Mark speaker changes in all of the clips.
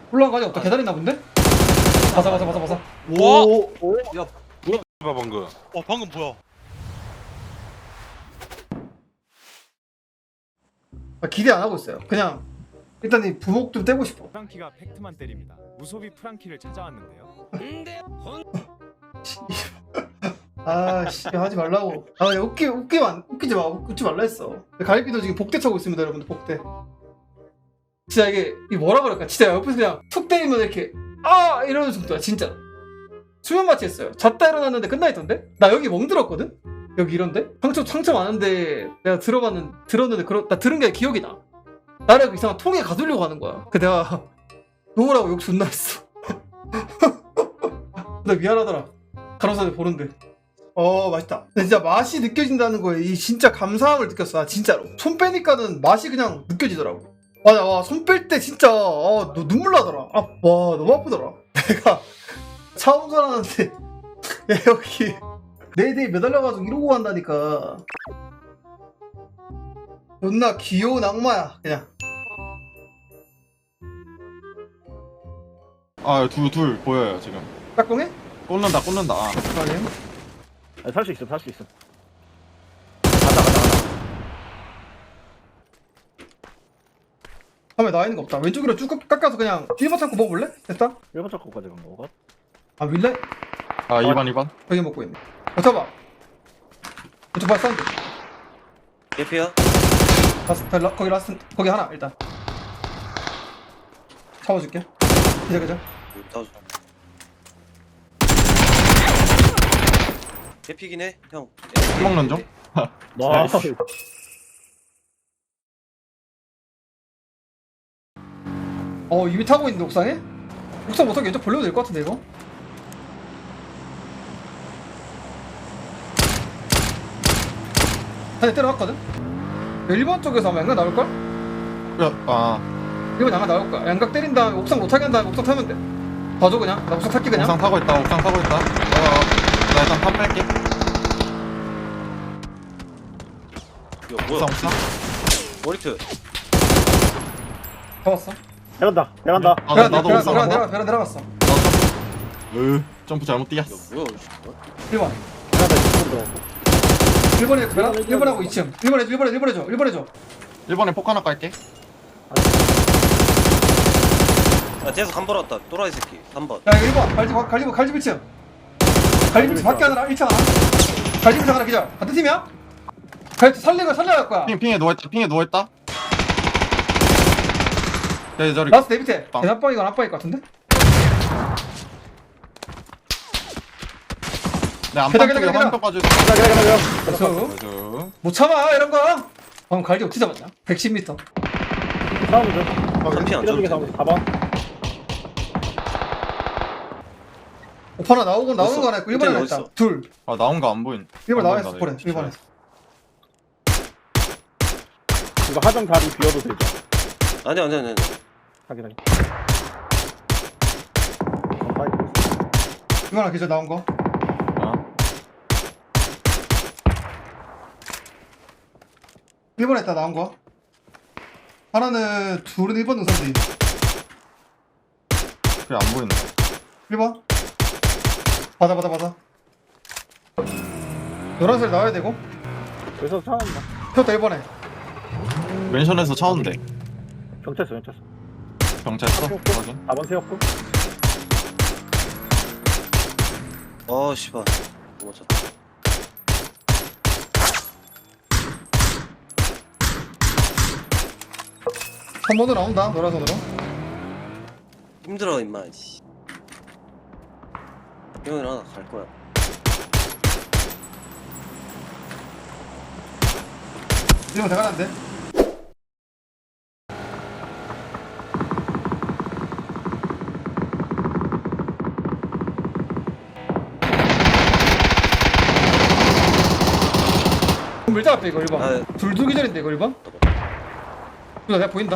Speaker 1: 올라간 거 아직 없다. 계단 있나 본데? 바사.
Speaker 2: 와!
Speaker 3: 오.
Speaker 2: 야, 뭐야 방금? 방금 뭐야?
Speaker 1: 기대 안 하고 있어요. 그냥 일단 이 부목 좀 떼고 싶어.
Speaker 4: 프랑키가 팩트만 때립니다. 우소비 프랑키를 찾아왔는데요.
Speaker 1: 아씨 하지 말라고. 야, 웃기지 마. 웃지 말라 했어. 갈비도 지금 복대 차고 있습니다, 여러분들. 복대. 진짜 이게 뭐라 그럴까? 진짜 옆에서 그냥 툭 때리면 이렇게 이러는 정도야 진짜. 수면 마취했어요. 잤다 일어났는데 끝나 있던데? 나 여기 멍들었거든? 여기 이런데? 상처 많은데 내가 들었는데 나 들은 게 기억이 나. 나를 이상한 통에 가두려고 하는 거야. 그 내가 놓으라고 욕 존나 했어. 나 미안하더라. 간호사들 보는데. 맛있다. 근데 진짜 맛이 느껴진다는 거에 이 진짜 감사함을 느꼈어. 진짜로. 손 빼니까는 맛이 그냥 느껴지더라고. 맞아, 와, 손 뺄 때 진짜 너 눈물 나더라. 와, 너무 아프더라. 내가 차 운전하는데 여기 내 대에 매달려가지고 이러고 간다니까. 존나 귀여운 악마야 그냥.
Speaker 3: 둘 보여요 지금.
Speaker 1: 깍꿍해?
Speaker 3: 꽂는다.
Speaker 1: 아니.
Speaker 5: 살 수 있어.
Speaker 1: 화면에 나와 있는 거 없다. 왼쪽으로 쭉 깎아서 그냥 1번 창고 먹어볼래? 됐다?
Speaker 5: 1번 찾고까지 간 거가?
Speaker 1: 밀래?
Speaker 3: 2번.
Speaker 1: 여기 먹고 있네. 잡아. 왼쪽 발 사운드.
Speaker 6: 개피야?
Speaker 1: 거기 라스트, 거기 하나 일단. 잡아줄게. 그자.
Speaker 6: 나와줘. 개피긴 해, 형.
Speaker 3: 먹는 중?
Speaker 5: 와.
Speaker 1: 이미 타고 있는데 옥상에? 옥상 못하게 왼쪽 벌려도 될 것 같은데 이거? 한대 때려놨거든? 1번 쪽에서 아마 양각 나올걸? 1번 양각 나올 거야. 양각 때린 다음에 옥상 못하게 한 다음에 옥상 타면 돼. 봐줘 그냥. 나 옥상 탈게 그냥.
Speaker 3: 옥상 타고 있다. 나 일단 탑 뺄게.
Speaker 6: 이거 뭐야?
Speaker 3: 옥상.
Speaker 6: 머리트.
Speaker 1: 잡았어.
Speaker 5: 내간다.
Speaker 3: 나도 옥상 간다.
Speaker 1: 내려갔어.
Speaker 3: 점프 잘못
Speaker 6: 이거
Speaker 3: 뛰었어.
Speaker 6: 뭐야?
Speaker 1: 1번. 1번에 베라? 1번하고 2층. 1번 해줘.
Speaker 3: 1번에 폭 하나 깔게.
Speaker 6: 뒤에서 간 벌었다. 또라이 새끼. 3번.
Speaker 1: 야 이거 1번. 갈집 1층. 갈집 1층 밖에 하나 1층 하나. 갈집 1층 하나 기절. 같은 팀이야? 갈집 살려갈 거야.
Speaker 3: 핑에 누워있다. 네, 저리.
Speaker 1: 라스트 내 밑에.
Speaker 3: 빵.
Speaker 1: 대납방이건 앞방일 것 같은데?
Speaker 3: 내 안방 쪽에
Speaker 1: 기다려.
Speaker 3: 화면까지.
Speaker 1: 그래서 못 참아 이런 거. 방금 갈집 어떻게 잡았냐? 110m.
Speaker 5: 싸우면 돼.
Speaker 6: 3피 안
Speaker 5: 이런 게
Speaker 6: 줬는데.
Speaker 5: 4번.
Speaker 1: 오빠나 나오는 거 하나 있고 1번에 하나
Speaker 6: 어디
Speaker 1: 있다.
Speaker 6: 있어?
Speaker 1: 둘.
Speaker 3: 나온 거 안 보인.
Speaker 1: 1번
Speaker 3: 안
Speaker 1: 나와
Speaker 3: 보인다,
Speaker 1: 있어. 보래.
Speaker 3: 이거.
Speaker 1: 1번에서.
Speaker 5: 이거 하정 다리 비워도 되죠.
Speaker 6: 아니.
Speaker 5: 확인하게.
Speaker 1: 1번 하나 기절 나온 거. 1번에 있다 나온 거. 하나는 둘은 1번 능선 뒤.
Speaker 3: 그래 안 보인다.
Speaker 1: 1번. 받아. 노란색 나와야 되고.
Speaker 5: 여기서 차는다.
Speaker 1: 폈다 1번에.
Speaker 3: 멘션에서 차온대.
Speaker 5: 경찰서.
Speaker 3: 경찰서? 확인.
Speaker 5: 4번 세웠고.
Speaker 6: 씨발. 못 쳤다.
Speaker 1: 한 번으로 나온다 노란선으로.
Speaker 6: 힘들어 임마. 씨. 형이랑 하나 갈 거야.
Speaker 1: 이거 대가난데. 밀자 앞에 이거 1번. 둘 기절인데 이거 1번. 이거 내가 보인다.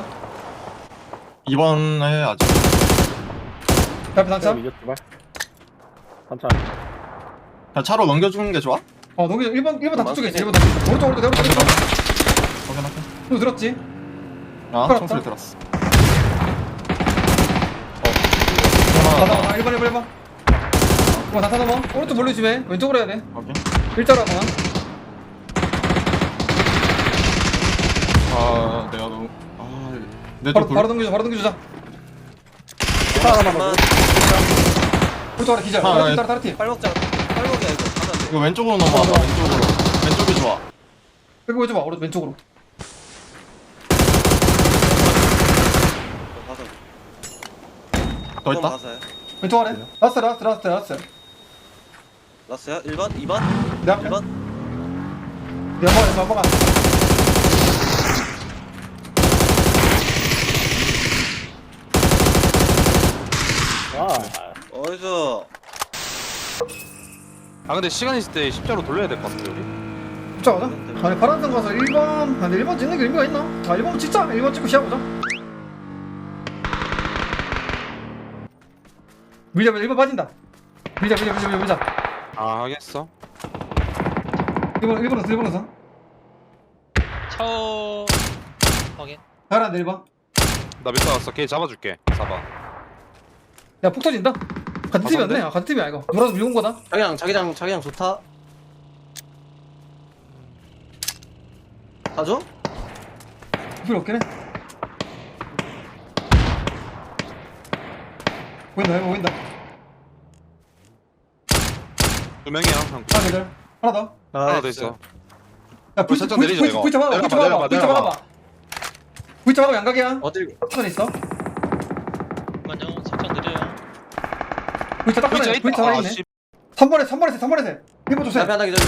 Speaker 3: 2번에 아직.
Speaker 1: 앞에 단차.
Speaker 5: 이제 두발. 단차.
Speaker 3: 그냥 차로 넘겨주는 게 좋아?
Speaker 1: 농기 1번 단차 쪽에 있어. 1번 단차. 오른쪽.
Speaker 3: 확인할게.
Speaker 1: 너 들었지?
Speaker 3: 총소리 들었어.
Speaker 1: 맞아 1번 1번 1번 어 나타 넘어 오른쪽 몰리 주면 왼쪽으로 해야 돼
Speaker 3: 오케이.
Speaker 1: 일자로 하거나
Speaker 3: 아 내가 너무
Speaker 1: 바로
Speaker 3: 내쪽
Speaker 1: 바로 넘겨줘 바로 넘겨주자
Speaker 5: 하나만
Speaker 1: 오른쪽 하나 기절
Speaker 3: 아, 네.
Speaker 1: 다른 팀
Speaker 6: 빨먹자. 빨먹이야 이거. 가면 안 돼.
Speaker 3: 이거 왼쪽으로 넘어와봐 왼쪽으로 왼쪽이 좋아
Speaker 1: 빼고 해줘봐 오른쪽 왼쪽으로
Speaker 6: 가서.
Speaker 3: 더 있다
Speaker 6: 가서야.
Speaker 1: 왼쪽 아래 라스트
Speaker 6: 라스야? 1번? 2번?
Speaker 1: 내 앞에
Speaker 6: 1번?
Speaker 1: 연막아
Speaker 6: 어디서?
Speaker 2: 아 근데 시간 있을 때 십자로 돌려야 될 것 같은데 우리.
Speaker 1: 진짜 가자 아니 파란색 가서 1번 근데 1번 찍는 게 의미가 있나? 자 1번 찍자 1번 찍고 시작보자 밀자 1번 빠진다 밀자
Speaker 2: 아 하겠어.
Speaker 1: 1번은
Speaker 7: 차오 확인.
Speaker 1: 가라앉아 1번
Speaker 2: 나 몇 번 왔어. 걔 잡아줄게. 4번.
Speaker 1: 야 폭 터진다 같은 팀이었네 같은 팀이야 이거 노라서 밀고 온 거다
Speaker 6: 자기장 좋다. 가줘?
Speaker 1: 필요 없긴 해 보인다
Speaker 2: 두 명이야. 형.
Speaker 1: 하나 계절 하나 더
Speaker 2: 하나 더 있어.
Speaker 1: 야, 불
Speaker 2: 살짝 내리자, 이거.
Speaker 1: 잡아봐.
Speaker 2: 내려봐.
Speaker 1: 불 잡아봐, 양각이야.
Speaker 6: 어딜?
Speaker 1: 시간 있어.
Speaker 7: 잠깐만요. 살짝 느려요.
Speaker 1: 불 잡아,
Speaker 2: 있다.
Speaker 1: 불 잡아
Speaker 2: 아,
Speaker 1: 있네.
Speaker 2: 씨.
Speaker 1: 3번에 1번 조세.
Speaker 6: 앞에 하나 기다려.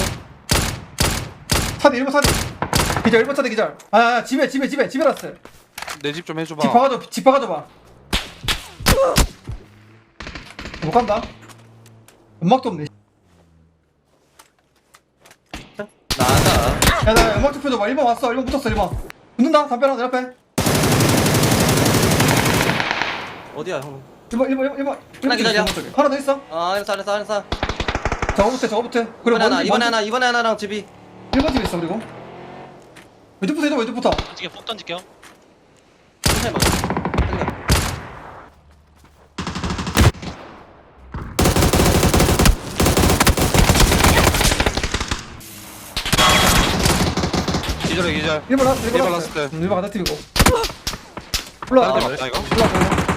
Speaker 1: 차대 1번 차대. 기절 1번 차대 기절. 아, 집에 라스.
Speaker 2: 내 집 좀 해줘봐.
Speaker 1: 집 박아줘봐. 못 간다. 연막도 없네.
Speaker 6: 나가.
Speaker 1: 야, 나 연막 좀 펴줘봐. 1번 왔어. 1번 붙었어. 1번. 붙는다. 담배 하나 내 앞에.
Speaker 6: 어디야 형?
Speaker 1: 1번.
Speaker 6: 하나 기다려.
Speaker 1: 하나 더 있어.
Speaker 6: 아 알았어.
Speaker 1: 저거부터. 그리고
Speaker 6: 이번에 하나랑 집이.
Speaker 1: 1번 집에 있어. 그리고 왼쪽부터 해줘. 왼쪽부터.
Speaker 7: 지금 폭 던질게요.
Speaker 6: 천천히 먹어.
Speaker 2: 기절해 기절.
Speaker 1: 1번 라스트.
Speaker 2: 1번 라스트.
Speaker 1: 1번 같은 팀이고. 올라가.
Speaker 2: 아, 맞다 이거?
Speaker 1: 올라가.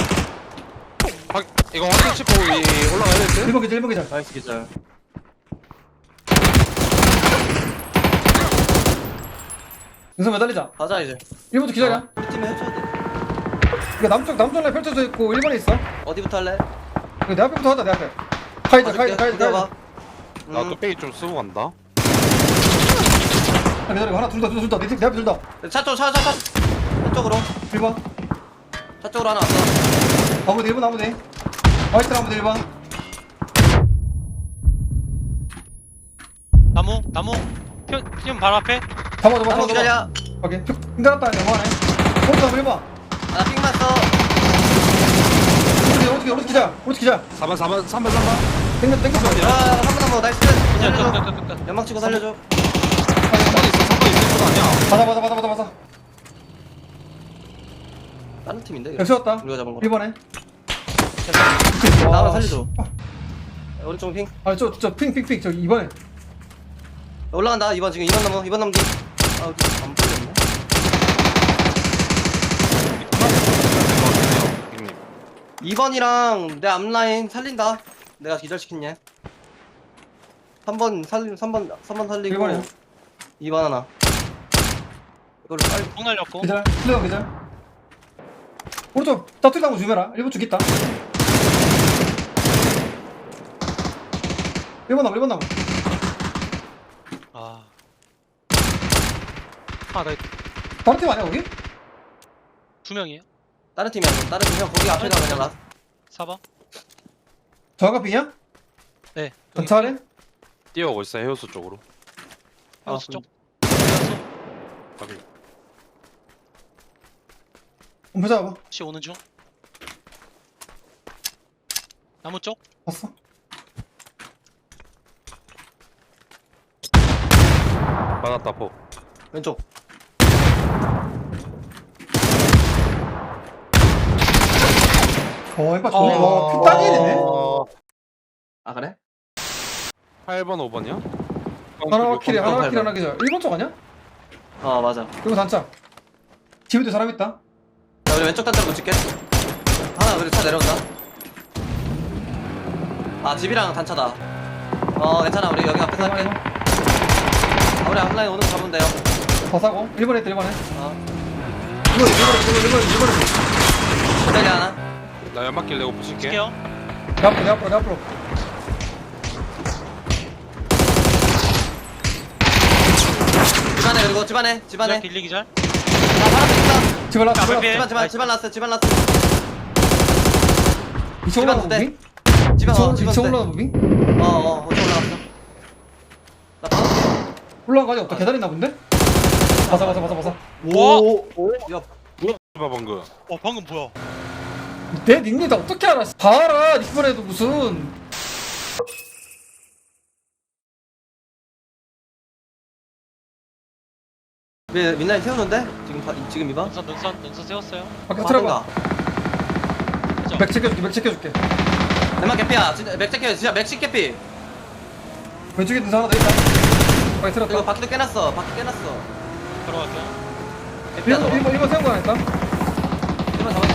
Speaker 2: 이거 확인 치고 올라가야 될 듯?
Speaker 1: 1번 기절.
Speaker 6: 나이스 기절.
Speaker 1: 윤선 매달리자.
Speaker 6: 가자 이제.
Speaker 1: 1번도 기절이야.
Speaker 6: 우리 팀에 해줘야 돼.
Speaker 1: 이거 남쪽 라인 펼쳐져 있고 1번에 있어.
Speaker 6: 어디부터 할래?
Speaker 1: 이거 내 앞에부터 하자 내 앞에. 카이드.
Speaker 6: 봐.
Speaker 2: 나 뚝배기 좀 쓰고 간다.
Speaker 1: 기다려. 하나 둘 다. 내 앞에 둘 다.
Speaker 6: 차 쪽으로.
Speaker 1: 1번.
Speaker 6: 차 쪽으로 하나 왔어.
Speaker 1: 아무데 1번 아무데. 화이트 아무데 1번.
Speaker 7: 나무. 지금 바로 앞에.
Speaker 1: 잡아.
Speaker 6: 기다려.
Speaker 1: 오케이. 힘들었다. 넘어가네. 오른쪽 1번.
Speaker 6: 나핑 맞어.
Speaker 1: 오른쪽 기절.
Speaker 2: 3번.
Speaker 1: 땡겨.
Speaker 6: 한번 넘어. 나이스. 살려줘.
Speaker 7: 끝.
Speaker 6: 연막 치고 살려줘.
Speaker 2: 3번 있을 거 아니야.
Speaker 1: 맞아.
Speaker 6: 다른 팀인데.
Speaker 1: 야, 세웠다.
Speaker 6: 우리가 잡은 거.
Speaker 1: 1번에.
Speaker 6: 나만 살려줘. 오른쪽 핑.
Speaker 1: 아, 저 핑. 저 2번에.
Speaker 6: 올라간다. 2번 지금 2번 넘기. 안 풀렸네.
Speaker 2: 형님.
Speaker 6: 2번이랑 내 앞라인 살린다. 내가 기절시켰냐. 3번 살리고
Speaker 1: 1번에.
Speaker 6: 2번 하나. 이거를 빨리
Speaker 7: 폭 날렸고.
Speaker 1: 기절. 슬래가 기절. 오른쪽 따뜻한 거 주면라. 1번 죽겠다. 1번 나무.
Speaker 7: 아. 나
Speaker 1: 다른 팀 아니야 거기?
Speaker 7: 두 명이에요.
Speaker 6: 다른 팀이야. 다른 팀 형 거기 앞에다 그냥 라.
Speaker 7: 4번.
Speaker 1: 정확한 야
Speaker 7: 네.
Speaker 1: 전차래?
Speaker 2: 뛰어오고 있어 해우수 쪽으로.
Speaker 7: 하우스 쪽.
Speaker 2: 확인.
Speaker 1: 한번 잡아봐.
Speaker 7: 혹시 오는 중. 나무 쪽.
Speaker 1: 봤어?
Speaker 2: 맞았다 포.
Speaker 6: 왼쪽.
Speaker 1: 엠파 좋네. 와, 딱이네.
Speaker 6: 아 그래?
Speaker 2: 8번 5번이야?
Speaker 1: 하나 킬에 하나
Speaker 6: 밟아.
Speaker 1: 킬 하나 기절. 1번 쪽 아니야?
Speaker 6: 어 맞아.
Speaker 1: 이거 단차. 집에도 사람 있다.
Speaker 6: 자 우리 왼쪽 단자로 붙일게. 하나 우리 차 내려온다. 아 집이랑 단차다. 괜찮아 우리 여기 앞에서 할게. 우리 앞라인 오는 거 잡으면 돼요.
Speaker 1: 더 사고. 1번에 있다 1번에.
Speaker 6: 이거
Speaker 1: 1번에.
Speaker 6: 기다려 하나.
Speaker 2: 나 연막길 내고 부실게.
Speaker 7: 칠게요.
Speaker 1: 내 앞으로.
Speaker 6: 집안에 그리고 집안에.
Speaker 7: 기절 길리 기절.
Speaker 6: 아 파란색 있다.
Speaker 1: 집을 놨어.
Speaker 7: 앞에 피해.
Speaker 6: 집안 났어. 집안 났어.
Speaker 1: 이쪽 올라가
Speaker 6: 집안
Speaker 1: 무빙?
Speaker 6: 집안
Speaker 1: 이쪽 올라가 무빙?
Speaker 6: 어디 올라갔어. 나 파란색.
Speaker 1: 올라간 거 아직 없다. 계단 있나 본데? 바사.
Speaker 7: 와.
Speaker 6: 야
Speaker 2: 봐 방금.
Speaker 7: 방금 뭐야?
Speaker 1: 내 닉네임 다 어떻게 알아? 봐라. 이번에도 무슨.
Speaker 6: 왜 민나이 세우는데? 지금 이봐.
Speaker 7: 눈선 세웠어요.
Speaker 1: 밖에 틀어봐.
Speaker 7: 그죠?
Speaker 1: 맥 챙겨줄게.
Speaker 6: 내만 개피야. 진짜 맥 개피. 진짜 맥시 개피.
Speaker 1: 왼쪽에 있는 사람 하나 더 있다. 밖에
Speaker 6: 이거
Speaker 1: 틀었다.
Speaker 6: 바퀴도 깨놨어.
Speaker 7: 들어갈게요.
Speaker 6: 개피야 너.
Speaker 1: 1번 세운 거 아닐까?
Speaker 6: 1번 잡았어.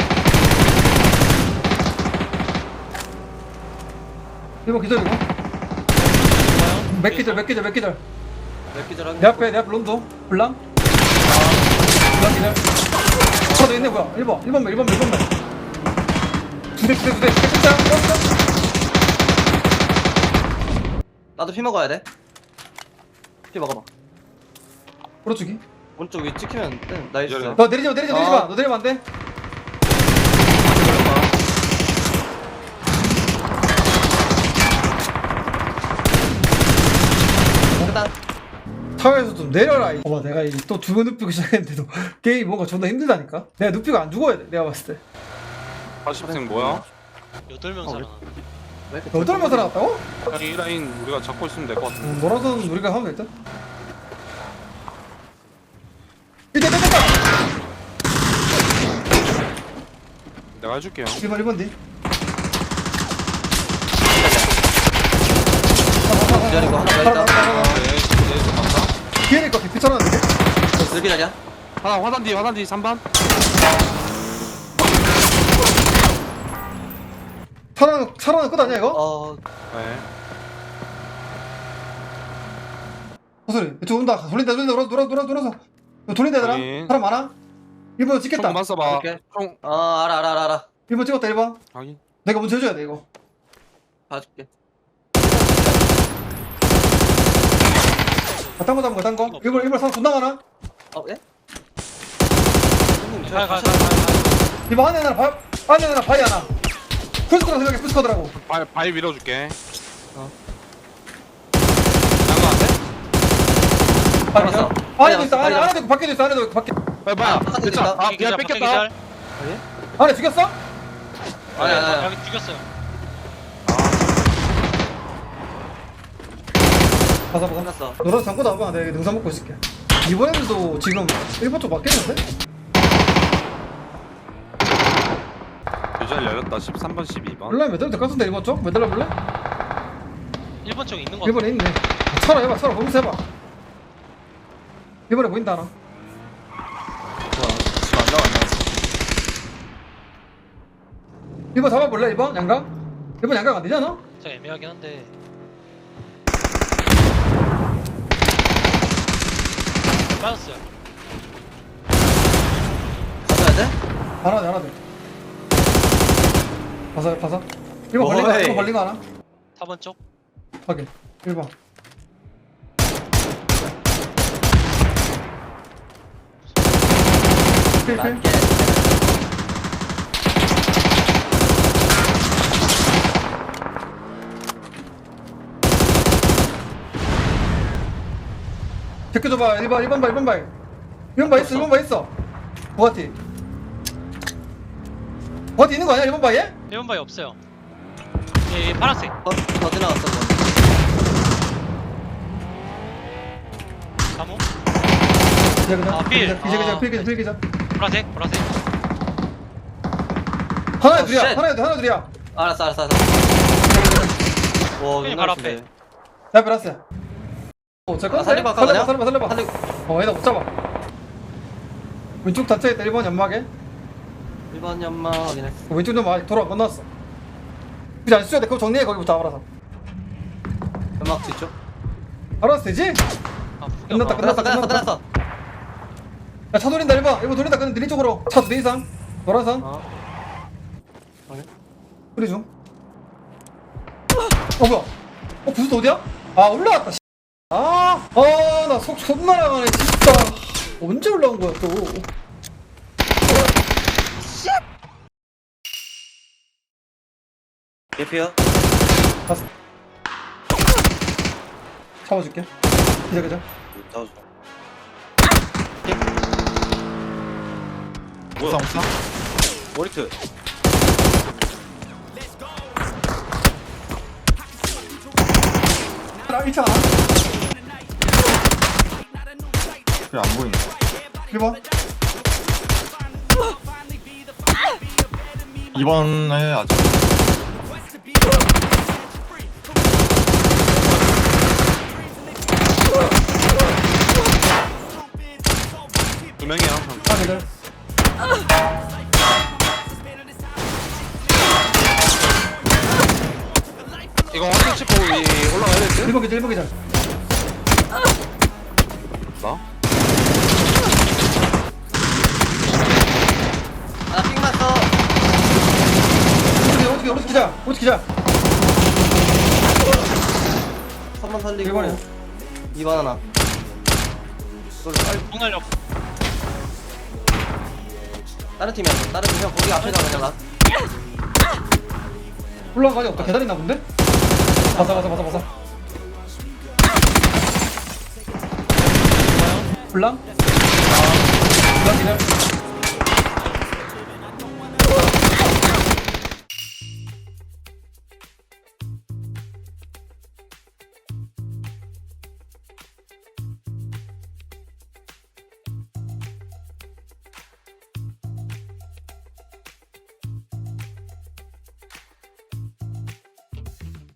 Speaker 1: 1번 기다리고.
Speaker 7: 좋아요.
Speaker 1: 맥 기절.
Speaker 6: 몇 기절하게.
Speaker 1: 내 앞에 론도. 블랑. 블랑 기절. 하나 더 있네 뭐야? 1번 맥. 두 대. 끝장.
Speaker 6: 나도 피 먹어야 돼. 피 먹어봐.
Speaker 1: 오른쪽이.
Speaker 6: 오른쪽 위 찍히면 나이스.
Speaker 2: 기다려.
Speaker 1: 너 내리지 마. 너 내리면 안 돼.
Speaker 6: 일단
Speaker 1: 타워에서 좀 내려라. 봐봐 내가 또 두 번 눕히고 시작했는데도 게임 뭔가 존나 힘들다니까. 내가 눕히고 안 죽어야 돼. 내가 봤을 때.
Speaker 2: 80생 뭐야?
Speaker 7: 8명 살아나.
Speaker 6: 왜 이렇게
Speaker 1: 여덟 명 살아났다고?
Speaker 2: 이 라인 우리가 잡고 있으면 될 것 같은데.
Speaker 1: 뭐라든 우리가 하면 일단. 이제 됐다.
Speaker 2: 내가 해줄게요.
Speaker 1: 1번 뒤.
Speaker 6: 기다리고 하나 더 있다.
Speaker 2: 네, 간다.
Speaker 1: 뒤에 있을 것 같아. 피쳐놨는데.
Speaker 6: 늘 기다려.
Speaker 2: 하나 화단 뒤 3번.
Speaker 1: 살아는 끝 아니야 이거?
Speaker 2: 네.
Speaker 1: 호소리 이쪽 온다. 돌린다. 돌아서. 이거 돌린다 얘들아.
Speaker 2: 확인.
Speaker 1: 사람 많아? 1번
Speaker 2: 총
Speaker 1: 찍겠다.
Speaker 2: 그만 써봐.
Speaker 6: 오케이.
Speaker 2: 총
Speaker 6: 알아.
Speaker 1: 1번 찍었다 1번.
Speaker 2: 확인.
Speaker 1: 내가 먼저 해줘야 돼 이거.
Speaker 6: 봐줄게.
Speaker 1: 딴 거. 1번 사람 존나 많아.
Speaker 6: 예?
Speaker 7: 가.
Speaker 1: 1번 안에 하나 바위 하나. 풀스쿼드 생각해 풀스쿼드라고.
Speaker 2: 바위 밀어줄게.
Speaker 6: 어.
Speaker 2: 양가 안 돼?
Speaker 1: 바위
Speaker 6: 알았어.
Speaker 1: 안에도 있어.
Speaker 6: 바위
Speaker 1: 안에도 있고 밖에도 있어. 안에도 있고 밖에.
Speaker 2: 뭐야?
Speaker 6: 바깥에
Speaker 2: 됐잖아.
Speaker 6: 있다.
Speaker 2: 아, 그냥 뺏겼다.
Speaker 1: 안에 죽였어?
Speaker 6: 아니.
Speaker 7: 여기 죽였어요.
Speaker 1: 가서
Speaker 6: 끝났어.
Speaker 1: 너랑 잠고 나와봐. 내가 능선 먹고 있을게. 이번에도 지금 1번 쪽 맞겠는데?
Speaker 2: 유잘 열렸다. 13번, 12번.
Speaker 1: 몰라 매달려 될것 같은데 1번 쪽? 매달려 볼래?
Speaker 7: 1번 쪽에 있는 거
Speaker 1: 1번에 있네. 차라 해봐. 차라 보면서 해봐. 1번에 보인다 하나.
Speaker 3: 집안 나와.
Speaker 1: 1번 잡아볼래 1번? 양각? 1번 양각 안 되잖아?
Speaker 7: 진짜 애매하긴 한데. 빠졌어요.
Speaker 6: 가져야 돼?
Speaker 1: 하나 돼. 봐서. 1번 걸린 거,
Speaker 6: 어이.
Speaker 1: 1번 걸린 거 하나?
Speaker 7: 4번 쪽.
Speaker 1: 확인. 1번. 필.
Speaker 6: 맞게.
Speaker 1: 제껴줘봐. 1번 봐. 1번 봐 있어. 부가티 있는 거 아니야? 1번 바에?
Speaker 7: 1번 바위 없어요. 예, 파란색.
Speaker 6: 더 지나갔어. 그거.
Speaker 7: 나무.
Speaker 1: 기자
Speaker 7: 아, 필.
Speaker 1: 기자.
Speaker 7: 보라색.
Speaker 1: 하나에
Speaker 6: 어,
Speaker 1: 둘이야.
Speaker 6: 쉣.
Speaker 1: 하나에 둘이야.
Speaker 6: 알았어. 와,
Speaker 7: 형님 바로 앞에.
Speaker 1: 나 베라스야. 잘 건데?
Speaker 6: 살리고 할까, 그냥?
Speaker 1: 살려봐.
Speaker 6: 살리고.
Speaker 1: 얘나 못 잡아. 왼쪽 단차에 있다. 1번 연막에.
Speaker 6: 1번 연마 확인했어.
Speaker 1: 왼쪽 연막 돌아 건너왔어. 그지 안 쏘야 돼. 그거 정리해 거기부터 알아서.
Speaker 6: 연막 뒤쪽.
Speaker 1: 알아서 되지?
Speaker 7: 아, full
Speaker 1: 끝났다,
Speaker 7: 연막.
Speaker 6: 끝났어.
Speaker 1: 야, 차 돌린다 1번 돌린다. 그냥 느린 쪽으로. 차 2대 이상. 노란선.
Speaker 6: 어.
Speaker 1: 소리 중. 뭐야? 부스 어디야? 아, 올라왔다. 나 손 날아가네, 진짜. 언제 올라온 거야, 또.
Speaker 6: 개피야.
Speaker 1: 갔어. 잡아줄게. 기자.
Speaker 3: 옥상 옥상.
Speaker 6: 모리트.
Speaker 1: 아, 1차.
Speaker 3: 그래 안 보인다.
Speaker 1: 1번.
Speaker 3: 2번에 아직.
Speaker 2: 두 명이야.
Speaker 1: 아, 기다려.
Speaker 2: 이거 확인 찍고 올라가야 될 듯?
Speaker 1: 1번 기자.
Speaker 2: 나?
Speaker 6: 핑 맞어.
Speaker 1: 오른쪽 기자.
Speaker 6: 3번 살리고.
Speaker 1: 1번이야.
Speaker 6: 2번 하나. 이걸 빨리.
Speaker 7: 뽕 날려.
Speaker 6: 다른 팀이야. 다른 팀 형 거기 앞에다 그냥 놔.
Speaker 1: 올라간 거 아직 없다. 계단 있나 본데? 봐서. 블랑 기자.